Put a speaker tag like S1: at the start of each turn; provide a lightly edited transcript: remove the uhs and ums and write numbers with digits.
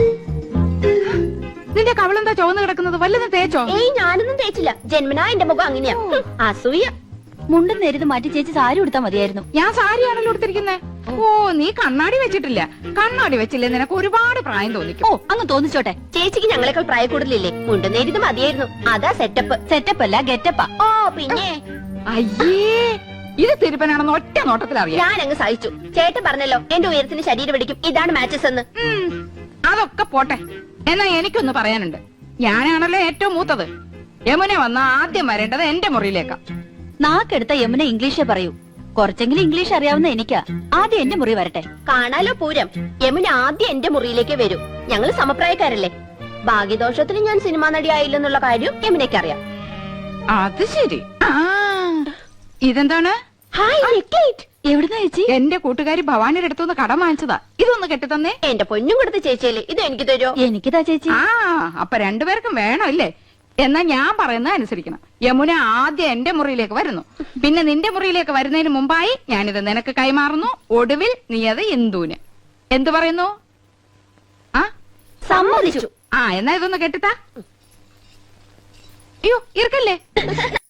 S1: നിന്റെ കവളെന്താ ചുവന്ന് കിടക്കുന്നത്? വല്ലതും തേച്ചോ?
S2: ഏയ് ഞാനൊന്നും തേച്ചില്ല. ജന്മനാ എന്റെ മുഖം അങ്ങനെയാ. അസൂയ.
S3: മുണ്ടും നേരിത് മാറ്റി ചേച്ചി സാരി ഉടുത്താ മതിയായിരുന്നു.
S1: ഞാൻ സാരിയാണല്ലോ എടുത്തിരിക്കുന്നേ. ഓ, നീ കണ്ണാടി വെച്ചിട്ടില്ല. കണ്ണാടി വെച്ചില്ലേ നിനക്ക് ഒരുപാട് പ്രായം തോന്നിക്കും.
S3: ഓ, അങ്ങ് തോന്നിച്ചോട്ടെ.
S2: ചേച്ചിക്ക് ഞങ്ങളെക്കാൾ പ്രായ കൂടുതലില്ലേ? മുണ്ടും നേരിത് മതിയായിരുന്നു. അതാ സെറ്റപ്പ്.
S3: സെറ്റപ്പ് അല്ല ഗെറ്റപ്പാ.
S2: ഓ പിന്നെ
S1: അയ്യേ, ഇത് തിരുപ്പനാണെന്ന് ഒറ്റ നോട്ടത്തിൽ അറിയാം.
S2: ഞാൻ അങ്ങ് സഹിച്ചു. ചേട്ടൻ പറഞ്ഞല്ലോ എന്റെ ഉയരത്തിന് ശരീരം പിടിക്കും, ഇതാണ് മാച്ചസ് എന്ന്.
S1: അതൊക്കെ പോട്ടെ. എന്നാ എനിക്കൊന്ന് പറയാനുണ്ട്. ഞാനാണല്ലോ ഏറ്റവും മൂത്തത്. യമുന വന്ന ആദ്യം വരേണ്ടത് എന്റെ മുറിയിലേക്കാ.
S3: നാക്കെടുത്ത യമുന ഇംഗ്ലീഷേ പറയൂ. കുറച്ചെങ്കിലും ഇംഗ്ലീഷ് അറിയാവുന്ന എനിക്കാ. ആദ്യം എന്റെ മുറി വരട്ടെ.
S2: കാണാലോ പൂരം. യമുന ആദ്യം എന്റെ മുറിയിലേക്ക് വരൂ. ഞങ്ങൾ സമപ്രായക്കാരല്ലേ. ഭാഗ്യദോഷത്തിന് ഞാൻ സിനിമാ നടി ആയില്ലെന്നുള്ള കാര്യം യമുനയ്ക്കറിയാം.
S1: അത് ശരി. ഇതെന്താണ്?
S2: ഹായ് നെക്കേറ്റ്.
S3: എവിടുന്നാ ചേച്ചി?
S1: എന്റെ കൂട്ടുകാരി ഭവാനിയുടെ അടുത്തുനിന്ന് കടം വാങ്ങിച്ചതാ. ഇതൊന്ന് കെട്ടിത്തന്നേ.
S2: എന്റെ പൊന്നും കൊടുത്ത ചേച്ചിയല്ലേ, ഇത് എനിക്ക് തരുമോ?
S3: എനിക്കിതാ ചേച്ചി.
S1: അപ്പൊ രണ്ടുപേർക്കും വേണോ ഇല്ലേ? എന്നാ ഞാൻ പറയുന്നത് അനുസരിക്കണം. യമുന ആദ്യം എന്റെ മുറിയിലേക്ക് വരുന്നു, പിന്നെ നിന്റെ മുറിയിലേക്ക് വരുന്നതിന് മുമ്പായി ഞാനിത് നിനക്ക് കൈമാറുന്നു. ഒടുവിൽ നീ അത് ഇന്ദുവിന്. എന്തു പറയുന്നു?
S2: സമ്മതിച്ചു.
S1: എന്നാ ഇതൊന്ന് കെട്ടിത്താ. അയ്യോ, ഇറക്കല്ലേ.